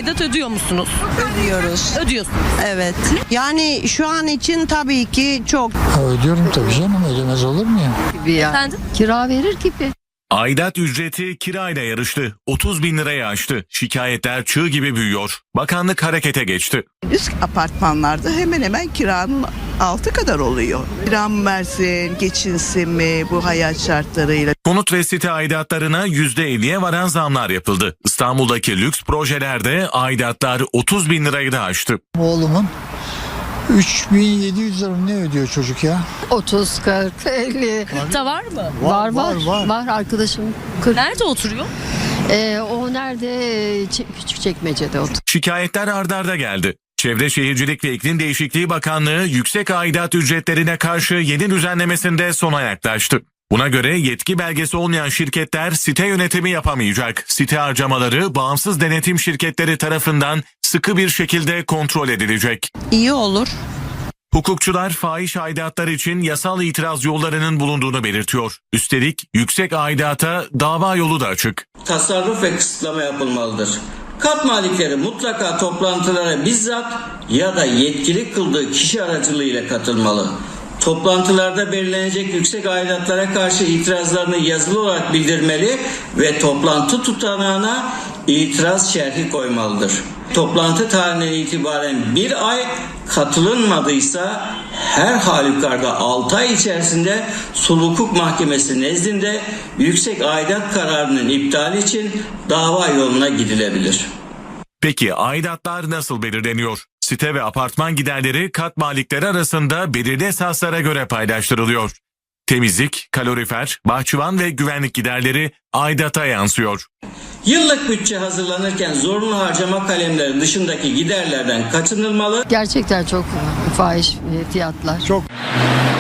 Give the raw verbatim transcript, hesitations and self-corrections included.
aidat ödüyor musunuz? Ödüyoruz. Ödüyorsunuz. Evet. Yani şu an için tabii ki çok. Ha, ödüyorum tabii canım, ödemez olur mu ya? Gibi ya. Efendim? Kira verir gibi. Aidat ücreti kirayla yarıştı. otuz bin liraya aştı. Şikayetler çığ gibi büyüyor. Bakanlık harekete geçti. Üst apartmanlarda hemen hemen kiranın altı kadar oluyor. Kira mı versin, geçinsin mi bu hayat şartlarıyla? Konut ve site aidatlarına yüzde elliye varan zamlar yapıldı. İstanbul'daki lüks projelerde aidatlar otuz bin lirayı da aştı. Oğlumun üç bin yedi yüz lira ne ödüyor çocuk ya? otuz, kırk, elli. Da var mı? Var var. var, Var, var. arkadaşım. kırk. Nerede oturuyor? Ee, o nerede? Ç- Küçükçekmece'de oturuyor. Şikayetler ardarda geldi. Çevre Şehircilik ve İklim Değişikliği Bakanlığı yüksek aidat ücretlerine karşı yeni düzenlemesinde sona yaklaştı. Buna göre yetki belgesi olmayan şirketler site yönetimi yapamayacak. Site harcamaları bağımsız denetim şirketleri tarafından sıkı bir şekilde kontrol edilecek. İyi olur. Hukukçular fahiş aidatlar için yasal itiraz yollarının bulunduğunu belirtiyor. Üstelik yüksek aidata dava yolu da açık. Tasarruf ve kısıtlama yapılmalıdır. Kat malikleri mutlaka toplantılara bizzat ya da yetkili kıldığı kişi aracılığıyla katılmalı. Toplantılarda belirlenecek yüksek aidatlara karşı itirazlarını yazılı olarak bildirmeli ve toplantı tutanağına itiraz şerhi koymalıdır. Toplantı tarihinden itibaren bir ay, katılınmadıysa her halükarda altı ay içerisinde Sulh Hukuk Mahkemesi nezdinde yüksek aidat kararının iptali için dava yoluna gidilebilir. Peki aidatlar nasıl belirleniyor? Site ve apartman giderleri kat malikleri arasında belirli esaslara göre paylaştırılıyor. Temizlik, kalorifer, bahçıvan ve güvenlik giderleri aidata yansıyor. Yıllık bütçe hazırlanırken zorunlu harcama kalemleri dışındaki giderlerden kaçınılmalı. Gerçekten çok fahiş fiyatlar. Çok.